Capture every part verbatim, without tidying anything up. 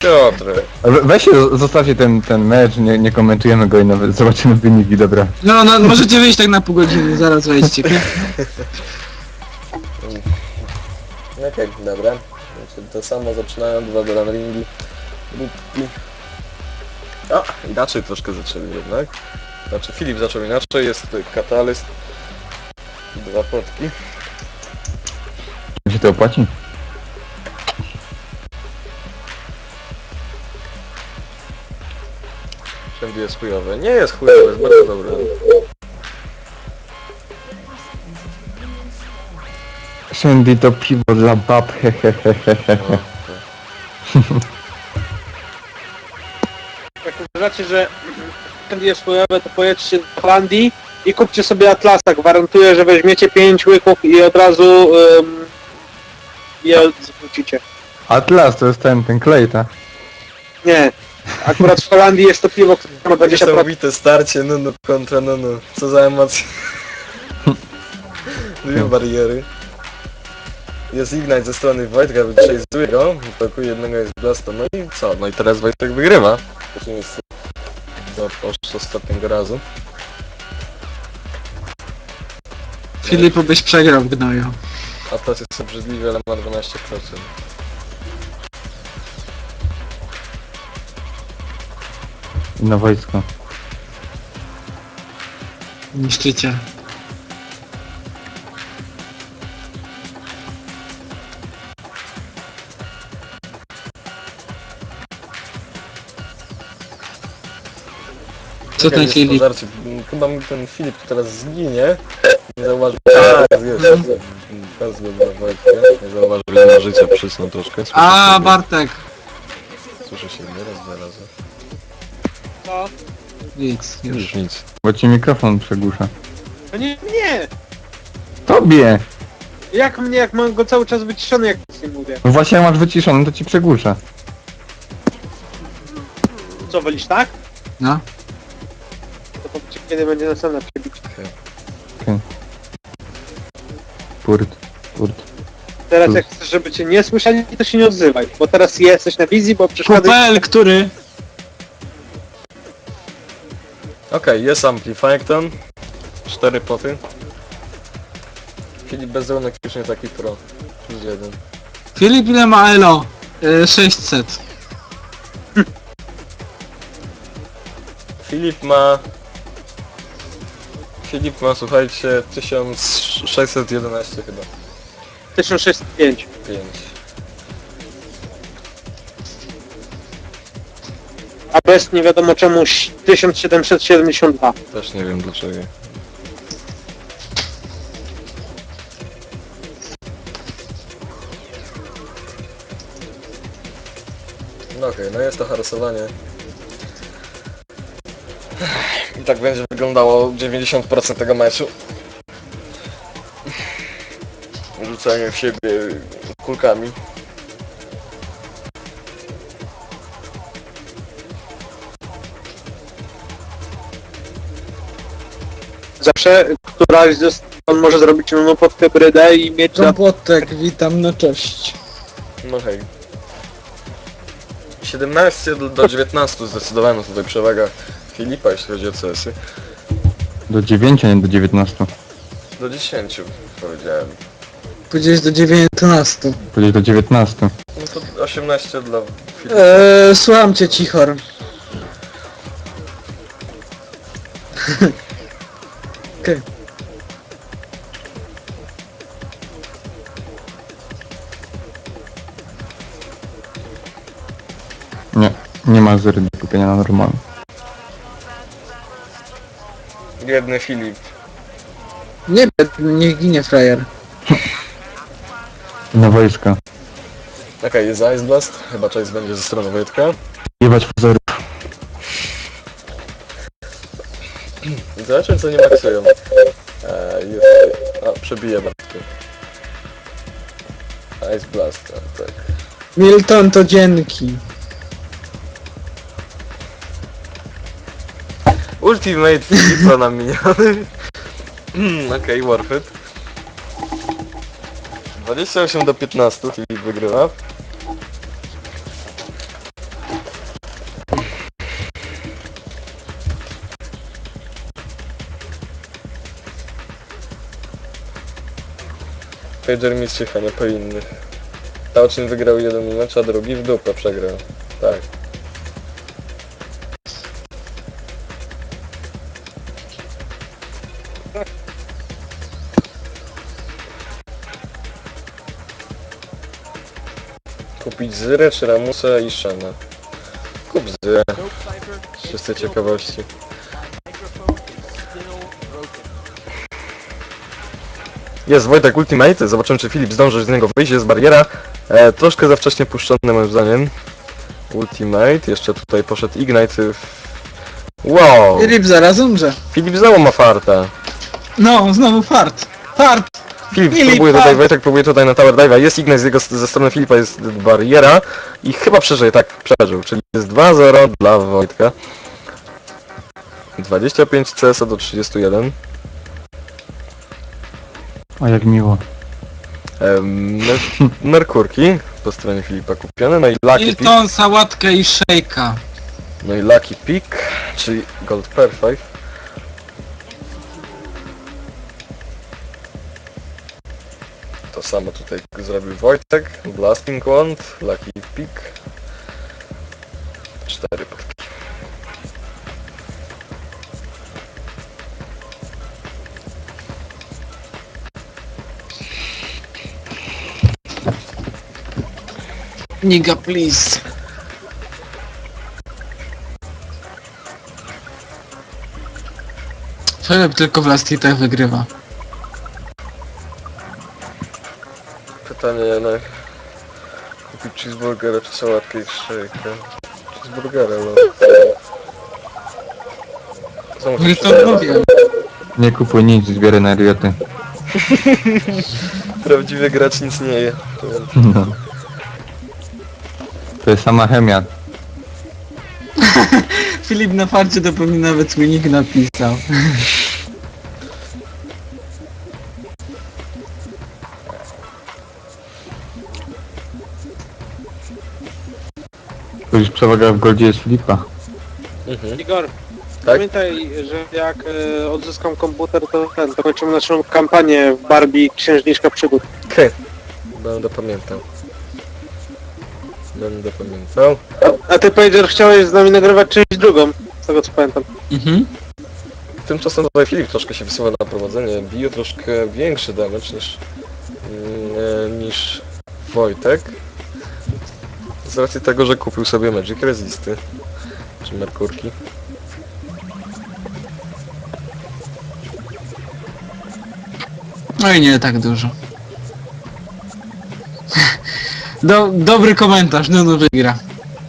Piotr. We- Weźcie, zostawcie ten, ten mecz, nie, nie komentujemy go i nawet zobaczymy wyniki, dobra. No, no, możecie wyjść tak na pół godziny, zaraz wejdźcie. Okej, okay, dobra. Znaczy, to samo zaczynają dwa do runningi. A, inaczej troszkę zaczęli jednak. Znaczy Filip zaczął inaczej, jest katalyst. Dwa potki. Czy się to opłaci? Wszędzie jest chujowy. Nie jest chujowy, jest bardzo dobry. Shandy to piwo dla bab, hehehehe. No, Jak uważacie, że Candy jest chujowe, to pojedźcie do Holandii i kupcie sobie Atlasa. Gwarantuję, że weźmiecie pięć łyków i od razu um, je zwrócicie. Atlas to jest ten, ten klej, tak? Nie. Akurat w Holandii jest to piwo, które ma dwadzieścia procent. niesamowite starcie Nunu kontra Nunu. Co za emocje. Dwie bariery. Jest Ignite ze strony Wojtka, chase'uje go. W jednego jest Blasto. No i co? No i teraz Wojtek wygrywa. To jest od ostatniego razu. Filipu byś przegrał w gnoju. A to jest obrzydliwy, ale ma dwanaście procent. I na wojsko. Niszczyciel. Co ten Jest Filip? pożarcie. Chyba mi ten Filip teraz zginie. Nie zauważył. Tak, jest. Bardzo dobra Wojtka. Nie zauważył, ile ma życia, przysnął troszkę. Słyszę A, siebie. Bartek. Słyszę się nie raz, dwa razy. No. Nic, już. Już nic. Bo ci mikrofon przegłusza. No nie, nie! Tobie! Jak mnie, jak mam go cały czas wyciszony, jak nic nie mówię. No właśnie jak masz wyciszony, to ci przegłusza. Co, wolisz tak? No. To powiedzcie, kiedy będzie następna przebić. Purt, purt. Teraz jak chcesz, żeby cię nie słyszeli, to się nie odzywaj. Bo teraz jesteś na wizji, bo przeszkadza... Kupel, który? Okej, okay, jest Amplifyton. Cztery poty. Filip Bezełnek już nie taki pro. Plus jeden. Filip ile ma elo? Y, sześćset. Filip ma... Filip ma, słuchajcie, tysiąc sześćset jedenaście chyba. tysiąc sześćset pięć. pięć. A bez nie wiadomo czemu tysiąc siedemset siedemdziesiąt dwa. Też nie wiem dlaczego. No okej, okay, no jest to harosowanie. I tak będzie wyglądało dziewięćdziesiąt procent tego meczu. Rzucanie w siebie kulkami. Zawsze któraś ze stron może zrobić nunu pod hybrydę i mieć... Kompotek, witam, no cześć. No hej. siedemnaście do dziewiętnastu zdecydowana tutaj przewaga Filipa, jeśli chodzi o C S-y. Do dziewięciu, a nie do dziewiętnastu. Do dziesięciu powiedziałem. Powiedziałeś do dziewiętnastu. Powiedzieć do dziewiętnastu. No to osiemnaście dla Filipa. Eee, słucham cię, cichor. Okej. Nie, nie ma zery do kupienia na normalne. Biedny Filip. Nie, niech ginie frajer. Na wojska. Okej, okay, jest Ice Blast. Chyba Chase będzie ze strony Wojtka. Jebać pozorów. Zobaczmy co nie maksują. Eee, jest... A, przebije Bartkę. Ice Blast, a, tak. Milton to dzięki. Ultimate Filipa na miniony. Mm, Okej, okay, worth it. dwadzieścia osiem do piętnastu Filip wygrywa. Pager mistrz nie po innych. Tauchin wygrał jeden mecz, a drugi w dupę przegrał. Tak. Kupić Zyrę czy Ramusa i Shana? Kup Zyrę. Z czystej ciekawości. Jest Wojtek Ultimate, zobaczymy czy Filip zdąży z niego wyjść, jest bariera. E, troszkę za wcześnie puszczony moim zdaniem. Ultimate, jeszcze tutaj poszedł Ignite. Wow! Filip zaraz umrze. Filip znowu ma farta. No, znowu fart. Fart! Filip, Filip, próbuje fart. tutaj, Wojtek próbuje tutaj na Tower Dive'a, jest Ignite z jego, ze strony Filipa jest bariera i chyba przeżyje, tak, przeżył, czyli jest dwa zero dla Wojtka. dwadzieścia pięć C S a do trzydziestu jeden. O, jak miło. Em, mer Merkurki po stronie Filipa kupione, no i Lucky Pick, Hilton, sałatkę i szejka. no i Lucky Pick, czyli Gold Perfect. To samo tutaj zrobił Wojtek, Blasting Wand, Lucky Pick. Cztery podki. Niga, please. Filip tylko w Last Hitach wygrywa. Pytanie na... Kupić cheeseburgera czy sałatkę i szejkę? Cheeseburgera, no. Co muszę Hilton przeczytać? mówię. Nie kupuj nic, zbieraj na rioty. Prawdziwy gracz nic nie je. No. To jest sama chemia. Filip na farcie to pewnie nawet mi nikt napisał. To już przewaga w goldzie jest Filipa. Mhm. Igor, Tak? pamiętaj, że jak e, odzyskam komputer, to ten, to kończymy naszą kampanię w Barbie Księżniczka Przygód. Okej. Będę pamiętał. Będę pamiętał. A ty, Pager, chciałeś z nami nagrywać część drugą, z tego co pamiętam. Mhm. Tymczasem tutaj Filip troszkę się wysuwa na prowadzenie. Bije troszkę większy damage niż, mm, niż Wojtek. Z racji tego, że kupił sobie Magic Resisty. Czy Merkurki. No i nie tak dużo. Do, dobry komentarz, no no wygra.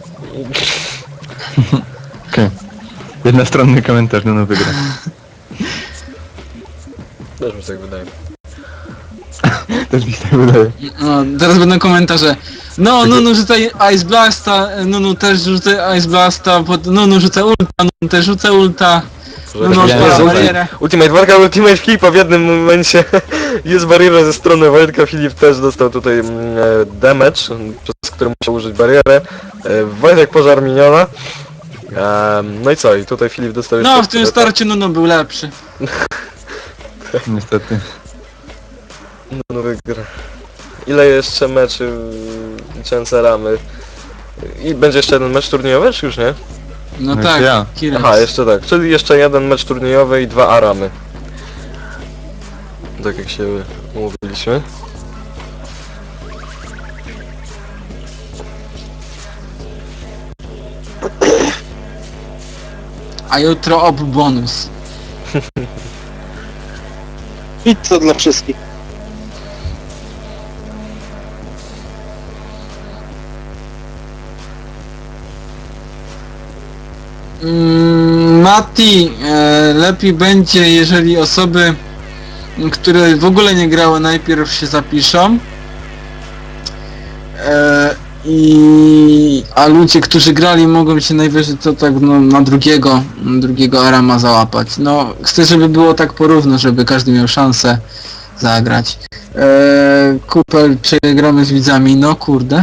Okej. Jednostronny komentarz, no no wygra. Też mi się tak wydaje. Też mi się tak wydaje. No, teraz będą komentarze. No, no, no rzucaj Ice Blasta, no, no też rzucaj Ice Blasta, pod, no, no rzucę ulta, no, no też rzucę ulta. No, no, Ja nie odpala rzucaj. barierę. Ultimate walka, Ultimate Filipa w jednym momencie jest bariera ze strony Wojtka, Filip też dostał tutaj mm, e, damage, przez który musiał użyć barierę. E, Wojtek pożar miniona. E, no i co? I tutaj Filip dostał jeszcze... No, w tym starcie, no, no, był lepszy. Niestety. No, no wygra. Ile jeszcze meczy liczące ramy? I będzie jeszcze jeden mecz turniejowy, czy już nie? No No tak, ja. Kirex. Aha, jeszcze tak. Czyli jeszcze jeden mecz turniejowy i dwa aramy. Tak jak się umówiliśmy. A jutro ob bonus. Pizza dla wszystkich. Mm, Mati, e, lepiej będzie, jeżeli osoby, które w ogóle nie grały, najpierw się zapiszą. E, i, a ludzie, którzy grali, mogą się najwyżej to tak no, na drugiego, drugiego Arama załapać. No, chcę, żeby było tak porówno, żeby każdy miał szansę zagrać. E, Kupel, czy gramy z widzami? No kurde.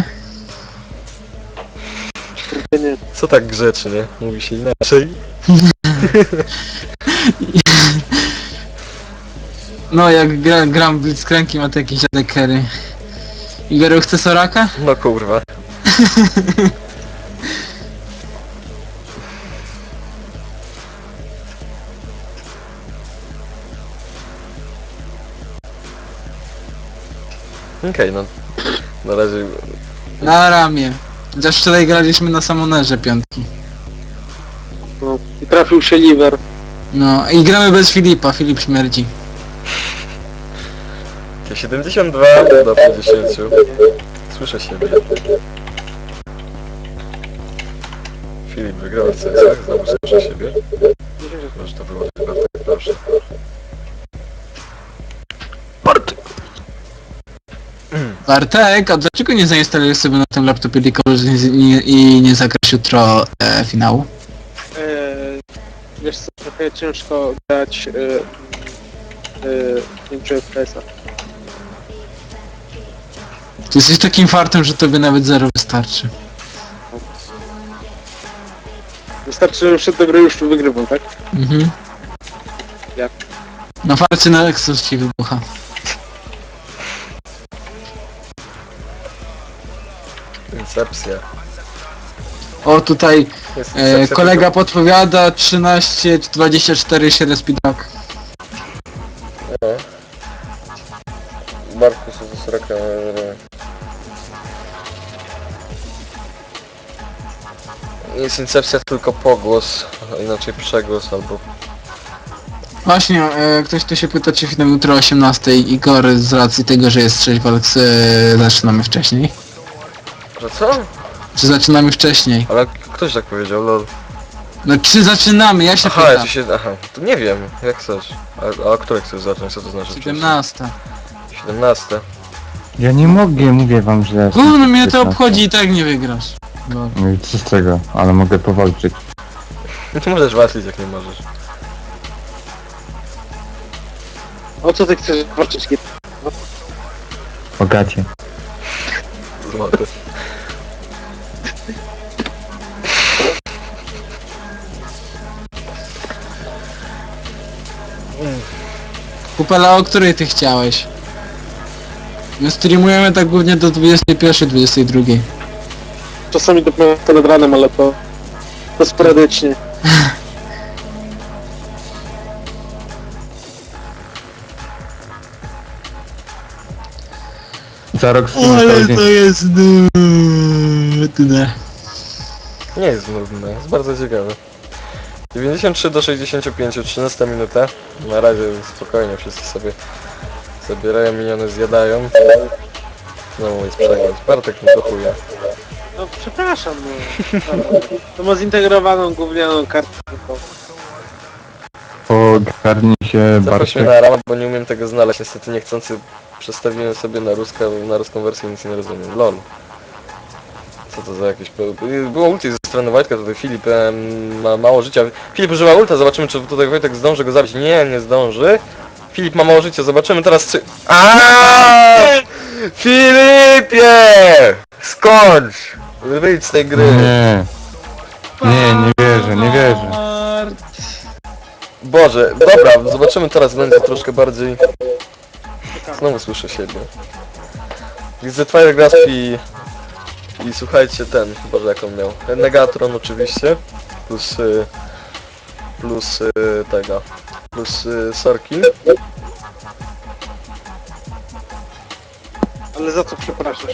Nie. Co tak grzecznie? Mówi się inaczej. No, jak gra, gram w Blitzcranki, ma to jakiś dziadek carry. Igor, chce Soraka? No kurwa. Okej, no na razie Na ramię. Chociaż wczoraj graliśmy na Samonerze piątki. No, i trafił się liver. No, i gramy bez Filipa, Filip śmierdzi. siedemdziesiąt dwa do pięćdziesięciu. Słyszę siebie. Filip wygrał w C Sach, znowu słyszę siebie. Może to było chyba tak, proszę. Bartek! Bartek, a dlaczego nie zainstalujesz sobie na tym laptopie League of Legends i nie, i nie zagrasz jutro e, finału? Eee, wiesz co, trochę ciężko grać e, e, pięć F P S-a. Ty jesteś takim fartem, że tobie nawet zero wystarczy. Wystarczy, że przed do gry już tu wygrywam, tak? Mhm. Jak? Na farcie na Exos ci wybucha. Incepcja. O, tutaj Jest e, incepcja kolega tylko- podpowiada trzynaście dwadzieścia cztery się respidak. No. Bartku się ze sroka. Jest incepcja tylko pogłos, a inaczej przegłos albo... Właśnie, e, ktoś tu się pyta, czy finał jutro o osiemnastej. Igor, z racji tego, że jest sześć walk, e, zaczynamy wcześniej. Że co? Czy zaczynamy wcześniej? Ale ktoś tak powiedział, lol. No czy zaczynamy? Ja się Aha, ja pytam. ci się... Aha, to nie wiem, jak chcesz. A, a o której chcesz zacząć? Co to znaczy? siedemnasta. siedemnaste. Ja nie mogę, mówię wam, że... ja Gówno jestem mnie to piętnasty. obchodzi i tak nie wygrasz. No. No i co z tego, ale mogę powalczyć. Nie możesz walczyć, jak nie możesz. O co ty chcesz walczyć? O gacie. Złoty. Kupela, o której ty chciałeś? My streamujemy tak głównie do dwudziestej pierwszej, dwudziestej drugiej. Czasami dopiero to nad ranem, ale to, to sporadycznie. Za rok streamy cały dzień. jest nudne. Nie jest nudne, jest bardzo ciekawe. dziewięćdziesiąt trzy do sześćdziesięciu pięciu, trzynasta minuta. Na razie spokojnie, wszyscy sobie zabierają miniony, zjadają. Znowu jest przegląd. Bartek mi do chuja. No przepraszam, no. To ma zintegrowaną gównianą kartę. Ogarnij się, Zaproś mnie Bartek. na ramę, bo nie umiem tego znaleźć. Niestety niechcący przestawiłem sobie na, ruska, na ruską wersję, nic nie rozumiem. Lol. Co to za jakieś... Było ulti ze strony Wojtka, tutaj Filip em, ma mało życia. Filip używa ulta, zobaczymy czy tutaj Wojtek zdąży go zabić. Nie, nie zdąży. Filip ma mało życia, zobaczymy teraz czy... Aaaa! Filipie! Skończ! Wyjdź z tej gry. Nie. Nie, nie wierzę, nie wierzę. Boże, dobra, zobaczymy teraz będzie troszkę bardziej... Znowu słyszę siebie. Widzę Twilight Grasp i... I słuchajcie ten, Boże jak on miał. Negatron oczywiście. Plus... Y, plus y, tego. Plus y, Sorki. Ale za co przepraszasz?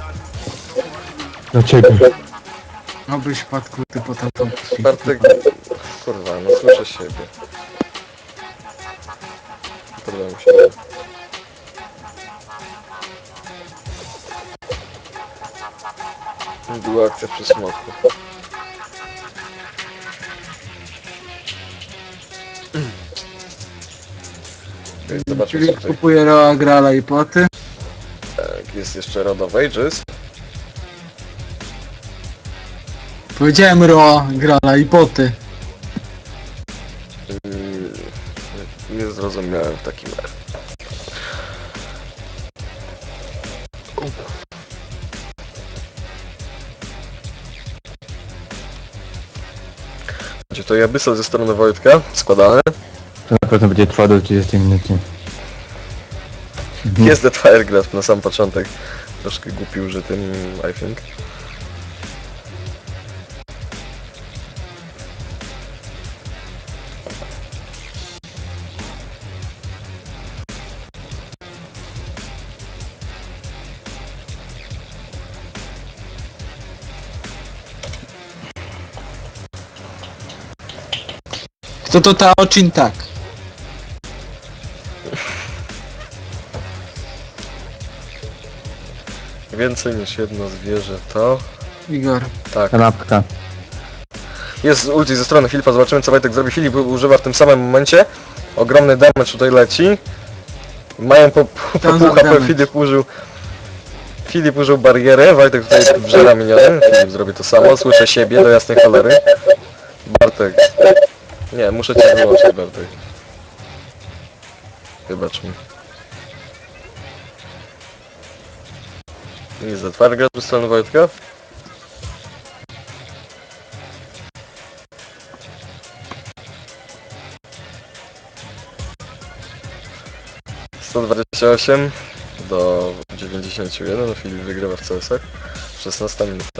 Do ciebie. Obyś padł ty po tatą. Bartek... Kurwa, no słyszę siebie. Podoba mi się. Była akcja przy smoku. Okej, zobaczmy Czyli co tutaj. kupuje Roa, Grala i poty. Tak, jest jeszcze Rod of Ages. Powiedziałem Roa, Grala i poty. Mm, Nie zrozumiałem w takim razie. Gdzie to Abyssal ze strony Wojtka, składane. To na pewno będzie trwało do trzydziestej minuty. Mhm. Jest Dead Firegrasp na sam początek. Troszkę głupi użytym, I think. Kto to ta oczyn tak? Więcej niż jedno zwierzę to... Igor. Tak. Kanapka. Jest ulti ze strony Filipa, zobaczymy co Wojtek zrobi. Filip używa w tym samym momencie. Ogromny damage tutaj leci. Mają po, po, po Tam pół H P, damage. Filip użył... Filip użył barierę, Wojtek tutaj wrzela miniony. Filip zrobi to samo, słyszę siebie do jasnej cholery. Bartek. Nie, muszę cię wyłączyć, Bartek. Wybacz mi. Nie za twardy gra ze strony Wojtka. sto dwadzieścia osiem do dziewięćdziesiąt jeden, Filip wygrywa w C S ach. szesnasta minuta.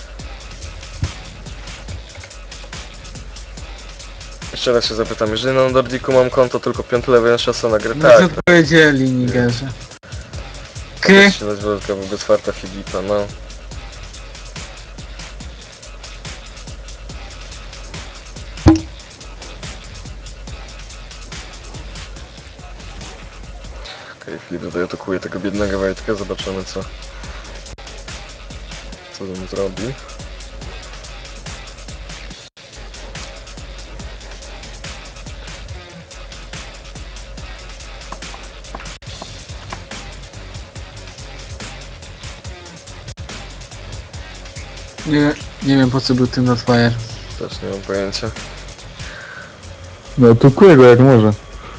Jeszcze raz się zapytam, jeżeli na Nordiku mam konto tylko piąty level szansa na grę, No tak. co powiedzieli, Nigerze. K. To się nazywa tylko wobec farta Filipa, no. Okej, okay, Filip tutaj atakuje tego biednego Wojtka, zobaczymy co... co on zrobi. Nie, nie wiem po co był ten Notfire. Też nie mam pojęcia. No to kuję go jak może.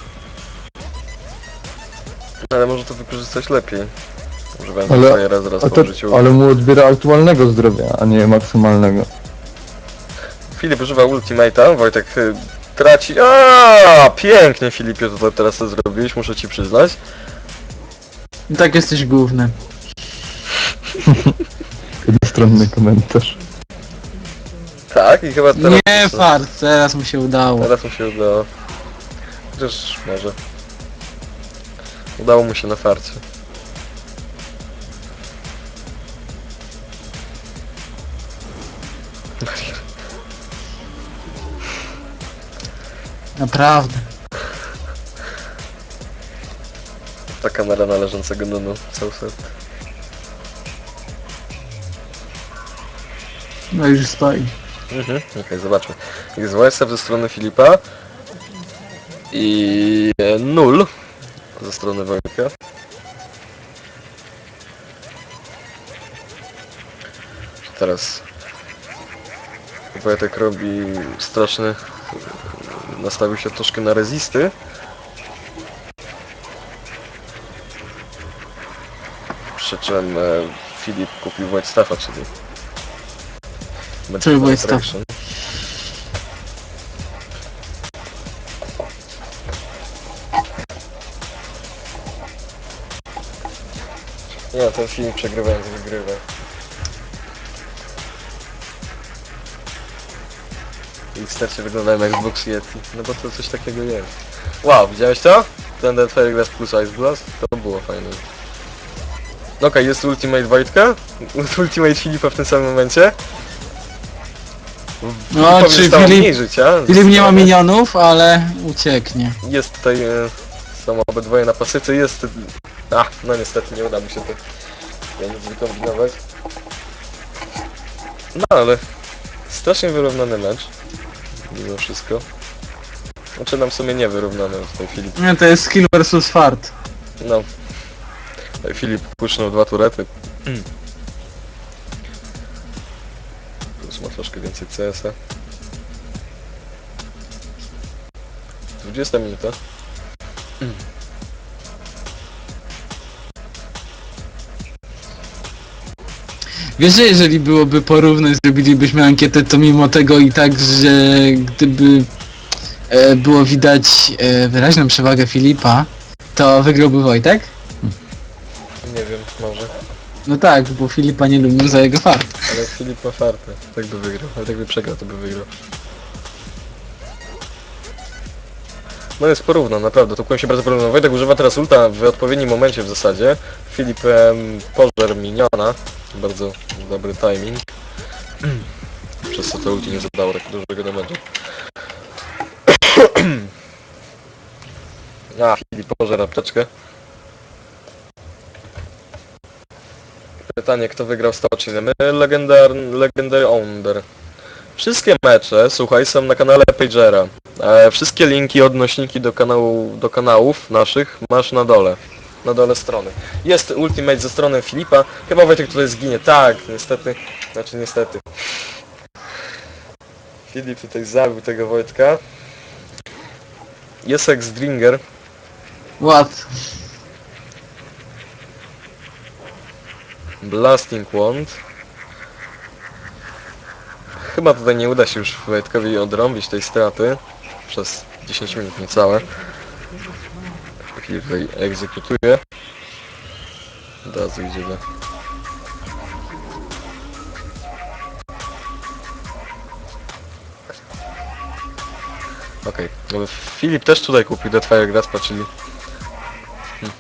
Ale może to wykorzystać lepiej. Używając Ale- ale, raz raz A po to, użyciu. ale mu odbiera aktualnego zdrowia, a nie maksymalnego. Filip używa ultimate'a, Wojtek y, traci... Aaaa, pięknie Filipie to teraz to zrobiłeś, muszę ci przyznać. I tak jesteś główny. Jednostronny komentarz. Tak, i chyba teraz... Nie fart, teraz mu się udało. Teraz mu się udało. Chociaż może. Udało mu się na farcie. Naprawdę. Ta kamera należącego Nunu, Southside. No już stoi. Mhm, okej, okay, zobaczmy. Jest Wojsef ze strony Filipa. I e, nul ze strony Wojtka. Teraz Wojtek robi straszny... Nastawił się troszkę na rezisty. Przy czym e, Filip kupił Void Staffa, czyli... Czyli Void Staff. Attraction. Nie, ten film przegrywając wygrywa. I w starcie wyglądają jak Xbox Yeti. No bo to coś takiego jest. Wow, widziałeś to? Ten Dead Firegrass plus Ice Blast? To było fajne. Okej, okay, jest Ultimate Wojtka. Ultimate Filipa w tym samym momencie. No, Filipowi czy zostało Filip- mniej życia. Filip nie ma minionów, ale ucieknie. Jest tutaj... E, są obydwoje na pasyce, jest... A, no niestety nie uda mi się to ja nic wykombinować. No ale... Strasznie wyrównany mecz. Mimo wszystko. Znaczy nam w sumie nie wyrównany w tej chwili. Nie, to jest skill versus fart. No. Filip puszczał dwa turety. Plus ma troszkę więcej C S a. dwudziesta minuta. Wiesz, że jeżeli byłoby porówno i zrobilibyśmy ankietę, to mimo tego i tak, że gdyby e, było widać e, wyraźną przewagę Filipa, to wygrałby Wojtek? może. No tak, bo Filipa nie lubią za jego fart. Ale Filip ma fartę. Tak by wygrał. Ale tak by przegrał, to by wygrał. No jest porówno, naprawdę. To kłem się bardzo porówno. Wojtek używa teraz ulta w odpowiednim momencie w zasadzie. Filip em, pożar miniona. Bardzo dobry timing. Przez co to ulti nie zadało tak dużego damage'u. A, Filip pożar apteczkę. Pytanie, kto wygrał stocznie? My, Legendar, Legendary Owner. Wszystkie mecze, słuchaj, są na kanale Pagera. E, wszystkie linki, odnośniki do, kanału, do kanałów naszych masz na dole. Na dole strony. Jest ultimate ze strony Filipa. Chyba Wojtek tutaj zginie. Tak, niestety. Znaczy niestety. Filip tutaj zabił tego Wojtka. Jest X-Dringer. What? Blasting Wand. Chyba tutaj nie uda się już Wojtkowi odrąbić tej straty przez dziesięć minut niecałe. Filip tutaj egzekutuje. Od razu idzie do... Okej, okay. Filip też tutaj kupił Deathfire Graspa, czyli... Hmm.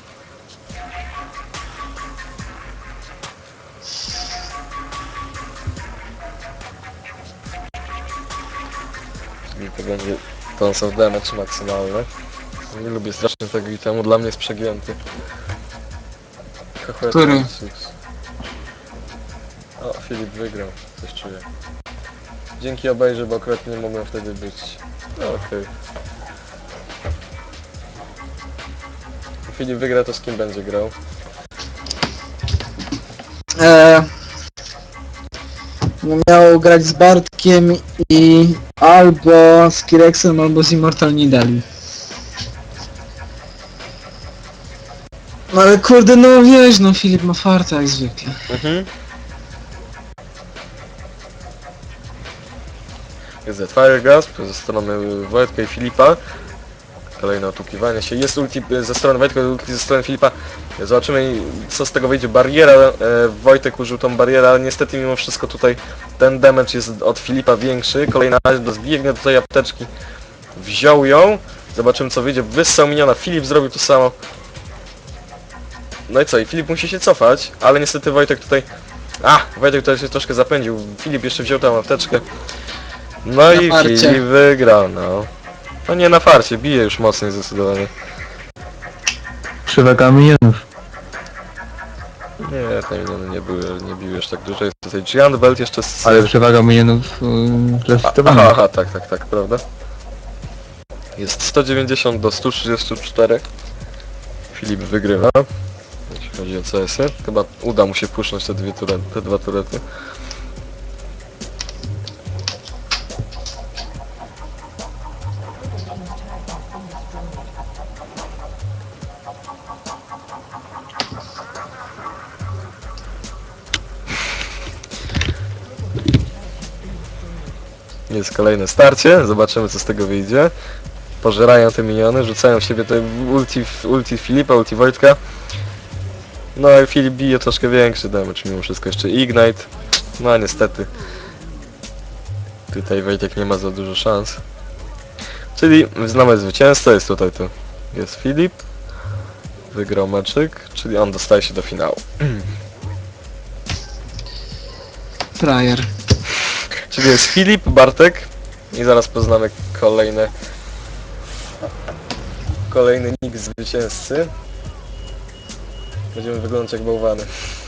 Czyli to będzie tons of damage maksymalny. Nie lubię strasznie tego itemu, dla mnie jest przegięty. Który? O, Filip wygrał, coś czuję. Dzięki obejrze, bo akurat nie mogłem wtedy być. No, okej. Okay. Filip wygra, to z kim będzie grał? Eee, no miał grać z Bartkiem i albo z Kirexem, albo z Immortal Nidali. No ale kurde, no wiesz, no Filip ma farta jak zwykle. Mhm. Jest Deathfire Grasp ze strony Wojtka i Filipa. Kolejne otukiwanie się. Jest ulti ze strony Wojtka, ulti ze strony Filipa. Zobaczymy, co z tego wyjdzie. Bariera. E, Wojtek użył tą barierę, ale niestety mimo wszystko tutaj ten damage jest od Filipa większy. Kolejna zbiegnie do tej apteczki. Wziął ją. Zobaczymy, co wyjdzie. Wyssał miniona. Filip zrobił to samo. No i co? I Filip musi się cofać, ale niestety Wojtek tutaj... A! Wojtek tutaj się troszkę zapędził. Filip jeszcze wziął tą apteczkę. No Na i farcie. Filip wygrał, no. No nie na farcie, bije już mocniej zdecydowanie. Przewaga minionów. Nie, te miniony nie były, nie biły już tak dużo. Jest tutaj Giant Belt jeszcze z... Ale przewaga minionów yy, Aha, klasyfikowana. aha, tak, tak, tak, prawda? Jest sto dziewięćdziesiąt do stu trzydziestu czterech. Filip wygrywa. Jeśli chodzi o C S-y. Chyba uda mu się pusznąć te, dwie turety, te dwa turety. Jest kolejne starcie, zobaczymy co z tego wyjdzie. Pożerają te miniony, rzucają w siebie te ulti, ulti Filipa, ulti Wojtka. No i Filip bije troszkę większy damage mimo wszystko, jeszcze Ignite. No niestety. Tutaj Wojtek nie ma za dużo szans. Czyli znamy zwycięzcę, jest tutaj to. Jest Filip. Wygrał meczyk, czyli on dostaje się do finału. Frajer. Czyli jest Filip, Bartek i zaraz poznamy kolejne kolejny nick zwycięzcy. Będziemy wyglądać jak bałwany.